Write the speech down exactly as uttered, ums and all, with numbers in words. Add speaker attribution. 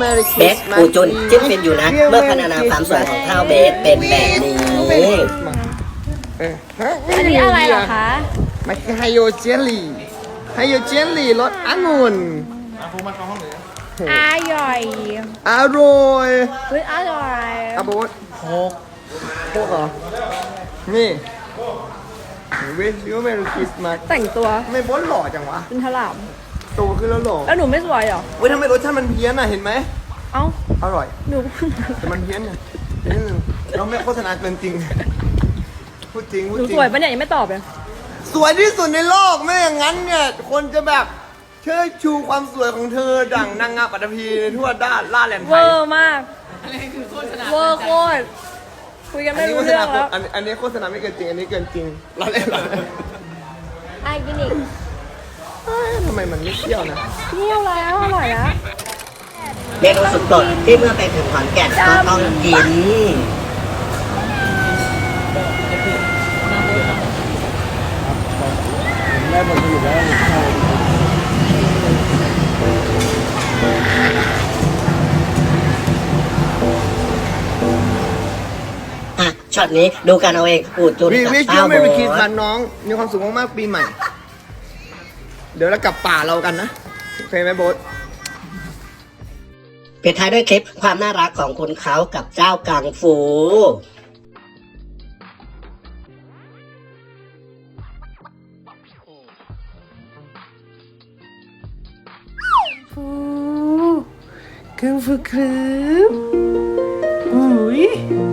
Speaker 1: Merry
Speaker 2: เบส
Speaker 1: Christmas
Speaker 2: ปูจุนจิ้มฟินอยู่นะ เมื่อพรรณนาความสวยของข้าวเบสเป็นแบบนี้
Speaker 1: เออฮะ
Speaker 3: อันนี้อะไรเหรอคะ
Speaker 1: มันคือไฮโยเจลลี่ไฮโยเจลลี่รสองุ่น
Speaker 3: อร่อย
Speaker 1: อร่อย
Speaker 3: เฮ้ยอร่อย
Speaker 1: อาโบสโคกโคกเหรอ นี่เวสยูเมริคริสต์มาส
Speaker 3: แต่งตัว
Speaker 1: ทำไมโบสหล่อจังวะ
Speaker 3: เป็นถลาม
Speaker 1: โตขึ้นแล้วหล่อ
Speaker 3: แล้วหนูไม่สวยเหรอ
Speaker 1: เว้ยทำไมรสชาติมันเพี้ยนอ่ะ เห็นไหม
Speaker 3: เอ้า
Speaker 1: อร่อย
Speaker 3: หนู
Speaker 1: แต่มันเพี้ยนไงนิดนึงเราไม่โฆษณาเกินจริง พูดจริง พูด
Speaker 3: หนู
Speaker 1: จริ
Speaker 3: ส
Speaker 1: ง
Speaker 3: วยปะเนี่ยยังไม่ตอบเลย
Speaker 1: สวยที่สุดในโลกไม่อย่างนั้นเนี่ย คนจะแบบเชิดชูความสวยของเธอดั่งนางงามปัตตภีในทั่วด้านล่าแหลมไท
Speaker 3: เวย อร์มากเวอร์โคตรคุยกัน
Speaker 1: อัน
Speaker 3: ไม่
Speaker 1: นี้
Speaker 3: รู้
Speaker 1: โฆษ
Speaker 3: เรื่อ
Speaker 1: ณาง
Speaker 3: แล้ว
Speaker 1: อันอันนี้โฆษณาไม่เกินจริง อันนี้เกินจริงเราเล่นเราเล่น
Speaker 3: ไอ้กินอีก
Speaker 1: เอ้ยทำไมมันไม่เที่ยวนะ
Speaker 3: เที่ยวแล้วอร่อยแล้ว
Speaker 2: เมนูสุดโปรดที่เมื่อไปถึงขอนแก่นก็ต้องกิน
Speaker 1: ได้ผลผลิตแล้ว
Speaker 2: อ่ะช็อตนี้ดูกันเอาเองปูจุน
Speaker 1: วี
Speaker 2: กับ
Speaker 1: วิช
Speaker 2: ข้า
Speaker 1: ยู
Speaker 2: ว
Speaker 1: ไม่
Speaker 2: โบ
Speaker 1: ไปคิด
Speaker 2: ส
Speaker 1: มันน้อง มีความสุขมากๆปีใหม่ เดี๋ยวเรากลับป่าเรากันนะ โอเคไหมโบ๊ท
Speaker 2: ปิดท้ายด้วยคลิปความน่ารักของคุณเขากับเจ้ากังฟู
Speaker 1: ฟูกังฟูครับอุ้ย